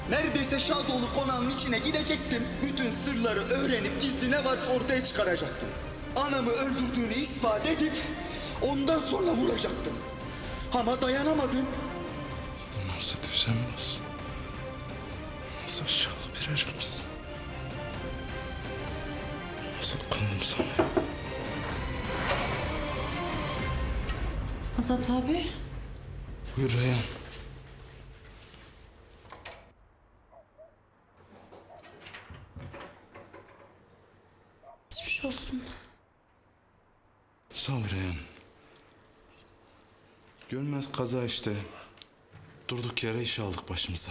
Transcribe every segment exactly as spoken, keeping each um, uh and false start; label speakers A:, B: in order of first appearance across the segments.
A: Neredeyse Şadoğlu konağının içine girecektim. Bütün sırları öğrenip gizli ne varsa ortaya çıkaracaktım. Anamı öldürdüğünü ispat edip ondan sonra vuracaktım. Ama dayanamadım.
B: Nasıl düzenmez? Nasıl aşağılık bir herifmişsin? Nasıl kandım sana?
C: Azat abi.
B: Buyur Reyhan.
C: Geçmiş olsun.
B: Sağ ol Reyhan. Görmez kaza işte. Durduk yere iş aldık başımıza.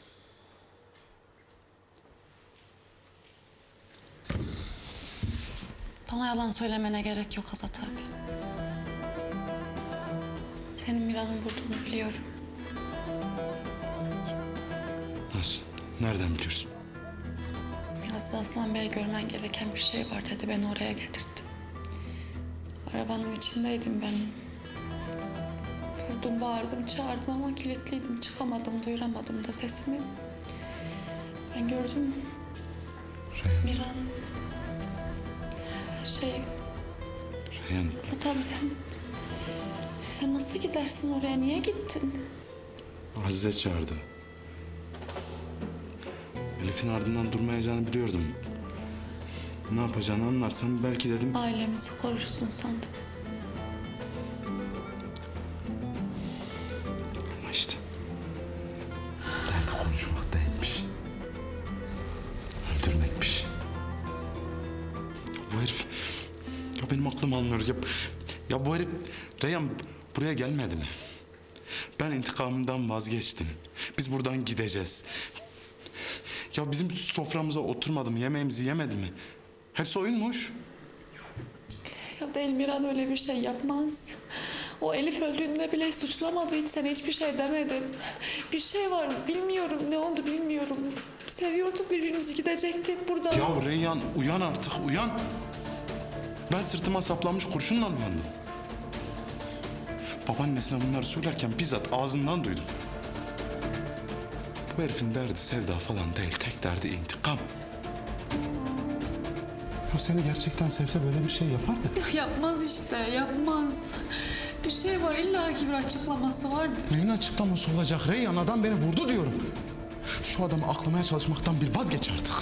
C: Bana yalan söylemene gerek yok Azat abi. Senin Miran'ın vurduğunu biliyorum.
B: Nasıl? Nereden biliyorsun?
C: Aziz Aslan Bey'e görmen gereken bir şey var dedi. Beni oraya getirdi. Arabanın içindeydim ben. Vurdum, bağırdım, çağırdım ama kilitliydim. Çıkamadım, duyuramadım da sesimi. Ben gördüm.
B: Reyhan.
C: Miran... Şey...
B: Reyhan.
C: Azat abi sen... Sen nasıl gidersin oraya? Niye gittin?
B: Azize çağırdı. Elif'in ardından durmayacağını biliyordum. Ne yapacağını anlarsam belki dedim...
C: Ailemizi korursun sandım.
B: Ama işte... Derdi konuşmak değilmiş. Öldürmekmiş. Bu herif... Ya benim aklım almıyor. Ya, ya bu herif... Reyhan buraya gelmedi mi? Ben intikamımdan vazgeçtim. Biz buradan gideceğiz. Ya bizim soframıza oturmadı mı? Yemeğimizi yemedi mi? Hepsi oyunmuş.
C: Ya değil, Miran öyle bir şey yapmaz. O Elif öldüğünde bile suçlamadı. Hiç sana hiçbir şey demedim. Bir şey var, bilmiyorum ne oldu bilmiyorum. Seviyorduk birbirimizi, gidecektik buradan.
B: Ya Reyhan uyan artık uyan. Ben sırtıma saplanmış kurşunla uyandım. Babaannesine bunları söylerken bizzat ağzından duydum. Bu herifin derdi sevda falan değil. Tek derdi intikam. O seni gerçekten sevse böyle bir şey yapardı.
C: Yapmaz işte, yapmaz. Bir şey var, illa ki bir açıklaması vardı.
B: Neyin açıklaması olacak Reyhan? Adam beni vurdu diyorum. Şu adamı aklamaya çalışmaktan bir vazgeç artık.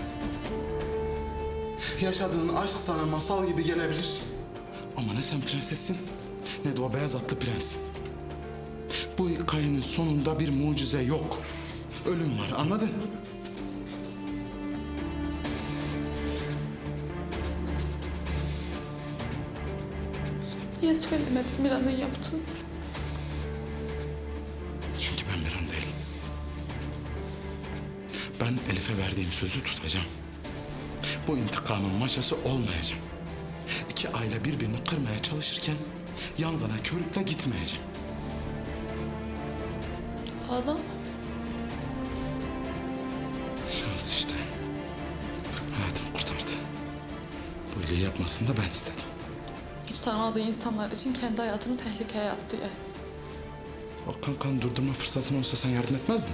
B: Yaşadığın aşk sana masal gibi gelebilir. Ama ne sen prensessin, ne de o beyaz atlı prens. Bu hikayenin sonunda bir mucize yok. Ölüm var, anladın?
C: Niye söylemedin Miran'ın yaptığını?
B: Çünkü ben bir an değilim. Ben Elif'e verdiğim sözü tutacağım. Bu intikamın maşası olmayacağım. İki aile birbirini kırmaya çalışırken yangına körükle gitmeyeceğim.
C: O adam
B: Şans işte. Hayatımı kurtardı. Bu iyiliği yapmasını da ben istedim.
C: hiç tanımadığı insanlar için kendi hayatını tehlikeye attı yani.
B: O kan kan durdurma fırsatın olsa sen yardım etmezdin.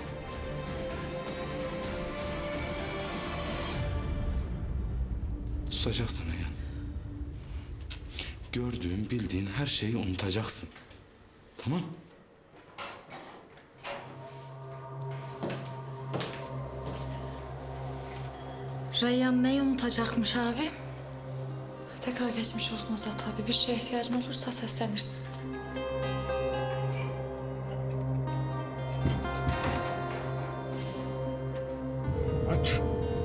B: Susacaksın yani. Gördüğün, bildiğin her şeyi unutacaksın. Tamam?
D: Reyhan neyi unutacakmış abi?
C: Tekrar geçmiş olsun Azat abi. Bir şeye ihtiyacın olursa seslenirsin.
A: Aç.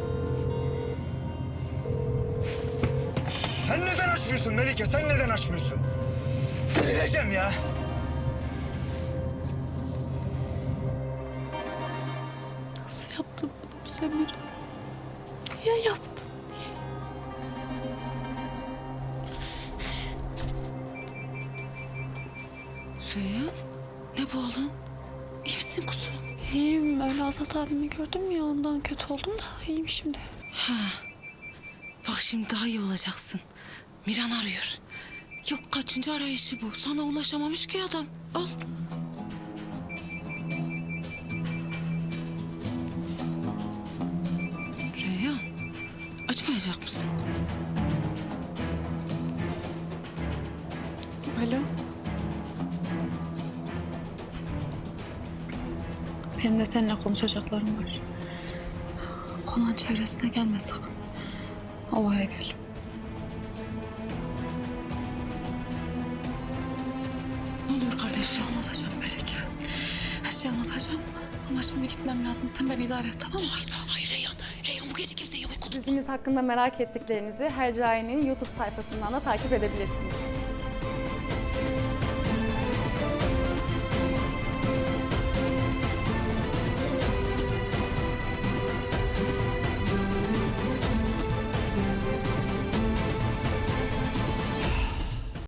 A: Sen neden açmıyorsun Melike? Sen neden açmıyorsun? Delireceğim ya.
C: Nasıl yaptın bunu bize Miran? Niye yaptın?
D: Reyhan ne bu oğlum? İyi misin kuzum?
C: İyiyim. Öyle Azat abimi gördüm ya, ondan kötü oldum da iyiyim şimdi.
D: Ha. Bak şimdi daha iyi olacaksın. Miran arıyor. Yok kaçıncı arayışı bu? Sana ulaşamamış ki adam. Al. Aramayacak mısın?
C: Alo. Benim de seninle konuşacaklarım var. Konan çevresine gelme sakın. Ovaya gel.
D: Ne oluyor kardeşim?
C: Anlatacağım Melike. Her şeyi anlatacağım. Ama şimdi gitmem lazım. Sen beni idare et, tamam mı?
D: Hayır, hayır Reyhan. Reyhan bu gece kimseyi uyku
E: Dizimiz hakkında merak ettiklerinizi Hercai'nin YouTube sayfasından da takip edebilirsiniz.